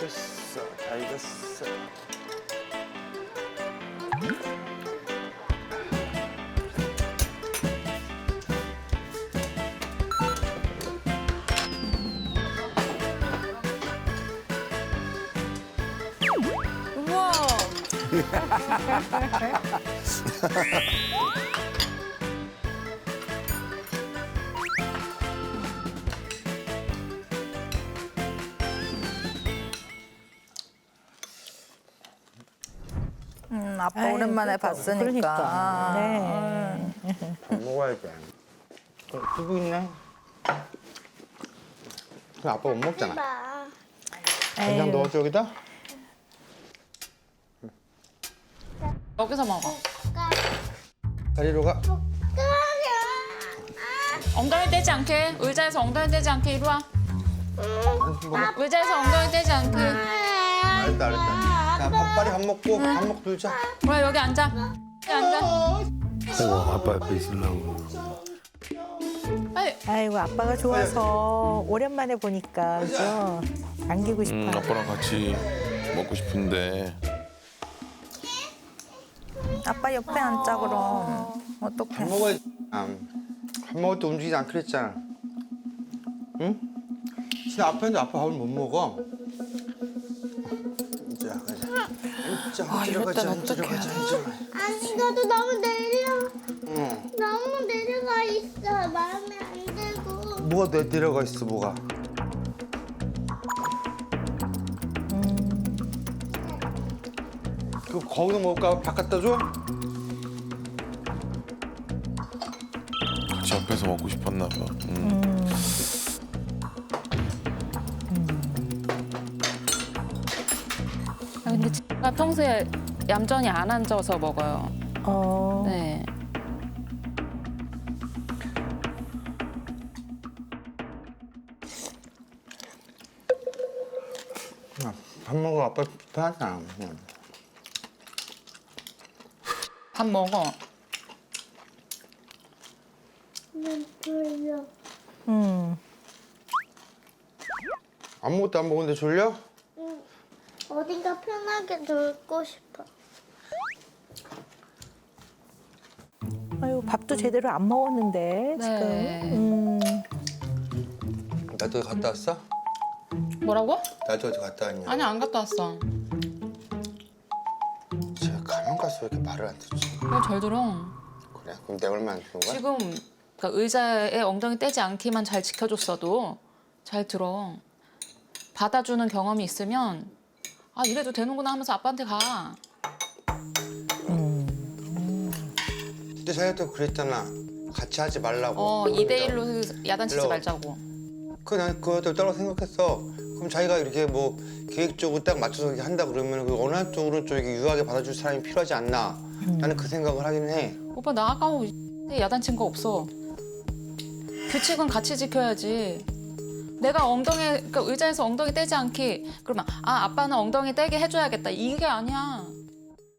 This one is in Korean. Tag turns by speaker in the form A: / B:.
A: 익었어. 다 익었어.
B: 우와.
C: 아빠
D: 아유,
C: 오랜만에
D: 그러니까.
C: 봤으니까.
D: 그러니까. 네.
A: 밥 먹어야지. 두부 있네. 그 아빠 못 먹잖아. 그냥
D: 아유.
A: 넣어줘 여기다.
B: 여기서 먹어.
A: 다리로 가.
B: 엉덩이 떼지 않게. 의자에서 엉덩이 떼지 않게. 이리 와. 의자에서 엉덩이 떼지 않게.
A: 알았다 알았다. 자, 빨리 밥 먹고 밥 먹고 놀자.
B: 그래 여기 앉아. 여기 앉아.
E: 아이고 아빠 옆에 있으려고.
B: 빨리.
D: 아이고 아빠가 좋아서 오랜만에 보니까 그죠? 안기고 싶어요.
E: 아빠랑 같이 먹고 싶은데.
C: 아빠 옆에 앉자 그럼.
A: 밥
C: 어떡해.
A: 먹어야지. 밥 먹을 때 움직이지 않기로 했잖아. 응? 진짜 앞에 있는데 아빠 밥을 못 먹어. 자, 가자. 자,
C: 이럴 땐
A: 앉으러
C: 어떡해.
A: 가자, 앉으러.
F: 아니 나도 너무 내려
A: 응.
F: 너무 내려가 있어 마음에 안 들고
A: 뭐가 내려가 있어, 뭐가? 그 거기서 먹을까? 밥 갖다 줘?
E: 같이 앞에서 먹고 싶었나 봐.
B: 아, 근데 제가 평소에 얌전히 안 앉아서 먹어요. 네.
A: 밥 먹어, 아빠 편하잖아. 응.
B: 밥 먹어.
F: 눈 돌려
A: 아무것도 안 먹었는데 졸려?
F: 어딘가 편하게 놀고 싶어
D: 아유 밥도 제대로 안 먹었는데
B: 네.
D: 지금.
A: 나도 어디 갔다 왔어?
B: 뭐라고?
A: 나도 어디 갔다 왔냐?
B: 아니 안 갔다 왔어.
A: 쟤 가면 갈수록 왜 이렇게 말을 안 듣지?
B: 왜 잘 들어?
A: 그래? 그럼 내가 얼마나 주는 거야?
B: 지금 그러니까 의자에 엉덩이 떼지 않기만 잘 지켜줬어도 잘 들어. 받아주는 경험이 있으면 아 이래도 되는구나 하면서 아빠한테 가.
A: 근데 자기가 그랬잖아. 같이 하지 말라고.
B: 2대1로 야단치지
A: 일로.
B: 말자고.
A: 난 그것도 따로 생각했어. 그럼 자기가 이렇게 뭐 계획적으로 딱 맞춰서 이렇게 한다 그러면 그 어느 한쪽으로 좀 이렇게 유하게 받아줄 사람이 필요하지 않나. 나는 그 생각을 하긴 해.
B: 오빠 나 아까 뭐 야단친 거 없어. 규칙은 같이 지켜야지. 내가 엉덩이 그러니까 의자에서 엉덩이 떼지 않기 그러면 아 아빠는 엉덩이 떼게 해줘야겠다 이게 아니야.